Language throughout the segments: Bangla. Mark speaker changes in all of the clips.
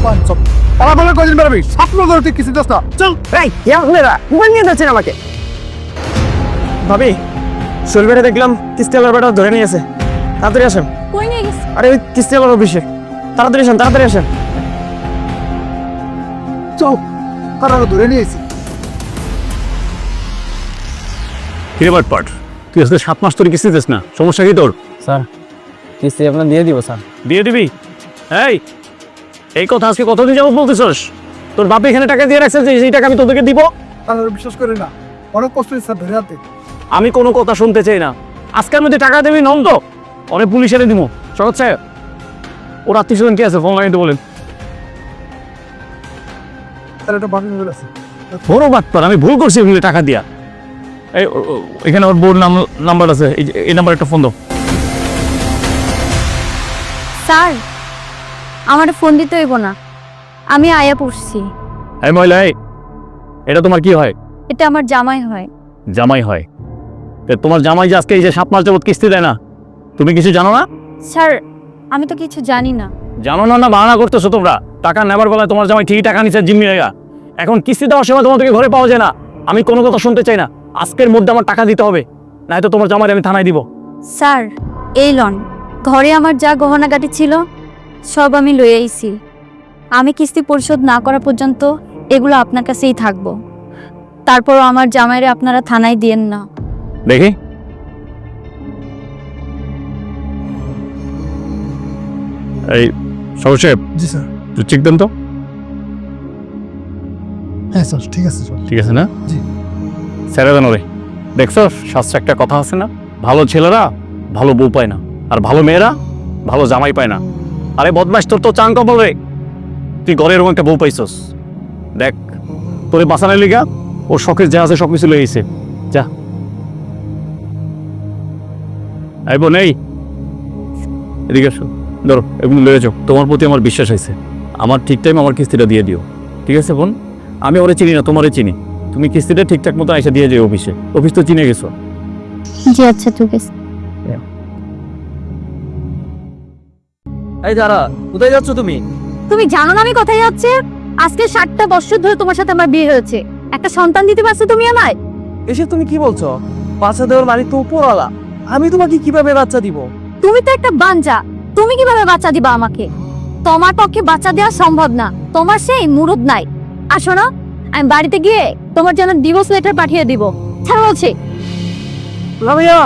Speaker 1: তারা বলে কদিন বেরোবি স্বপ্ন ধরে তুই কিছু দোষ না চল।
Speaker 2: এই আপনারা মোবাইল নিয়ে যাচ্ছেন আমাকে। ভাবি শৈলবেড়ে দেখলাম কিস্তিওয়ালার বেটা ধরে নিয়েছে, তাড়াতাড়ি আসেন।
Speaker 3: কই নিয়ে গেছে?
Speaker 2: আরে ওই কিস্তিওয়ালার অফিসে, তাড়াতাড়ি আসেন তাড়াতাড়ি আসেন।
Speaker 1: চল তারা ধরে নিয়েছি।
Speaker 4: কিরে বাটপাট, তুই আজকে 7 মাস তোর কিস্তি দিস না, সমস্যা কি তোর?
Speaker 2: স্যার কিস্তি আপনার দিয়ে দিব স্যার।
Speaker 4: দিয়ে দিবি? এই কথা আজকে কতদিন যাবো বলতেছস? তোর বাপ এখানে টাকা দিয়ে রাখছে যে এই টাকা আমি তোদেরকে দিব?
Speaker 1: তারা বিশ্বাস করে না, অনেক কষ্ট হচ্ছে স্যার ধরে আনতে।
Speaker 4: আমি কোনো কথা শুনতে চাই না। আজকের মধ্যে টাকা দেবি নন্দ, অনেক পুলিশ এনে দিব। সহজ সাহেব, ওর আত্মীয়-স্বজন কে আছে ফোন লাগাইতে বলেন।
Speaker 1: তারা একটা বাকি হয়ে আছে।
Speaker 4: বড় বাটপাট, আমি ভুল করছি এগুলো টাকা দিয়া। এখানে ওর বোর নাম্বার আছে, এই নাম্বার একটা ফোন দাও।
Speaker 3: স্যার আমার ফোন দিতে হইব না, আমি আয়া পড়ছি।
Speaker 4: এই মহিলা, এটা তোমার কি হয়?
Speaker 3: এটা আমার জামাই হয়।
Speaker 4: জামাই হয়? তোমার জামাই যে আজকে এই যে 7 মাস যাবত কিস্তি দেয় না, তুমি কিছু জানো না?
Speaker 3: স্যার আমি তো কিছু জানি না।
Speaker 4: জানো না না বাহানা করতেছো তোমরা? টাকা নেবার বেলায় তোমার জামাই ঠিকই টাকা নিচ্ছে জিম্মি হয়ে। এখন কিস্তি দেওয়ার সময় তোমাদেরকে ঘরে পাওয়া যায় না। আমি কোনো কথা শুনতে চাই না, আজকের মধ্যে আমার টাকা দিতে হবে, নয়তো তোমার জামাই আমি থানায় দিব।
Speaker 3: স্যার এই লন, ঘরে আমার যা গহনাগাটি ছিল সব আমি লয়ে আইছি। আমি কিস্তি পরিশোধ না করা পর্যন্ত এগুলো আপনার কাছেই থাকবো। তারপরও আমার জামাইরে আপনারা থানায় দিয়েন না।
Speaker 4: দেখি এই সবুজ সাহেব,
Speaker 1: জি স্যার।
Speaker 4: তুই চেক দেন তো।
Speaker 1: হ্যাঁ স্যার ঠিক আছে স্যার।
Speaker 4: ঠিক আছে না?
Speaker 1: জি।
Speaker 4: স্যারে জানো রে, দেখছো শাস্ত্রে একটা কথা আছে না, ভালো ছেলেরা ভালো বউ পায় না, আর ভালো মেয়েরা ভালো জামাই পায় না। আরে বদমাস, তোর তো চাং কপাল রে, তুই ঘরে এরকম একটা বউ পাইছস। দেখ তোরে বাঁচানোর লিগা ওর শখের যা আছে সব কিছু লয়ে গেছে। যা আই বোন, এই এদিকে আসো, ধরো এগুলো লয়ে যাও। তোমার প্রতি আমার বিশ্বাস আছে, আমার ঠিক টাইম আমার কিস্তিটা দিয়ে দিও, ঠিক আছে বোন? আমি ওরে চিনি না, তোমারে চিনি। তুমি কিস্তিটা ঠিকঠাক মতো এসে দিয়ে যাও অফিসে, অফিস তো চিনে গেছো।
Speaker 3: জি আচ্ছা ঠিক আছে।
Speaker 2: এই দাঁড়া, কোথায় যাচ্ছ তুমি?
Speaker 3: তুমি জানো না আমি কোথায় যাচ্ছি? আজকে 7টা বছর ধরে তোমার সাথে আমার বিয়ে হয়েছে, একটা সন্তান দিতে পারছো তুমি আমায়?
Speaker 2: এসে তুমি কি বলছো? বাচ্চা দেওয়ার মালিক তো উপরওয়ালা, আমি তোমাকে কিভাবে বাচ্চা দিব?
Speaker 3: তুমি তো একটা বাঞ্জা, তুমি কিভাবে বাচ্চা দিবা আমাকে? তোমার পক্ষে বাচ্চা দেওয়া সম্ভব না, তোমার সেই মুরুদ নাই। আসো না, আমি বাড়িতে গিয়ে তোমার জন্য ডিভোর্স লেটার পাঠিয়ে দিব। ছাড়ো বলছি।
Speaker 2: রামিয়া,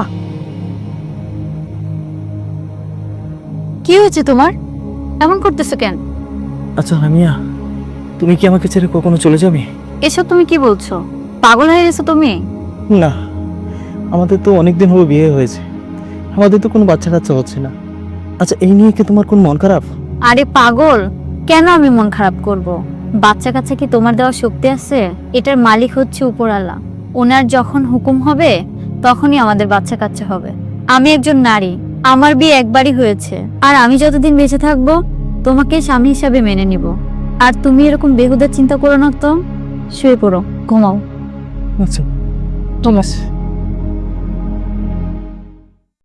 Speaker 3: কি হয়েছে তোমার? এমন করতেছো কেন?
Speaker 2: আচ্ছা রামিয়া, তুমি কি আমাকে ছেড়ে কখনো চলে যাবে?
Speaker 3: এসব তুমি কি বলছো? পাগল হয়ে গেছো তুমি?
Speaker 2: না, আমাদের তো অনেকদিন হলো বিয়ে হয়েছে, আমাদের তো কোনো বাচ্চা কাচ্চা হচ্ছে না। আচ্ছা এই নিয়ে কি তোমার কোন মন খারাপ?
Speaker 3: আরে পাগল, কেন আমি মন খারাপ করব? বাচ্চা কাচ্চা কি তোমার দেওয়ার শক্তি আছে? এটার মালিক হচ্ছে উপরওয়ালা, ওনার যখন হুকুম হবে তখনই আমাদের বাচ্চা কাচ্চা হবে। আমি একজন নারী, আমার বিয়ে একবারই হয়েছে, আর আমি যতদিন বেঁচে থাকবো তোমাকে স্বামী হিসাবে মেনে নিব। আর তুমি এরকম বেহুদা চিন্তা করো না তো, শুয়ে পড়ো, ঘুমাও।
Speaker 2: আচ্ছা ঠিক আছে।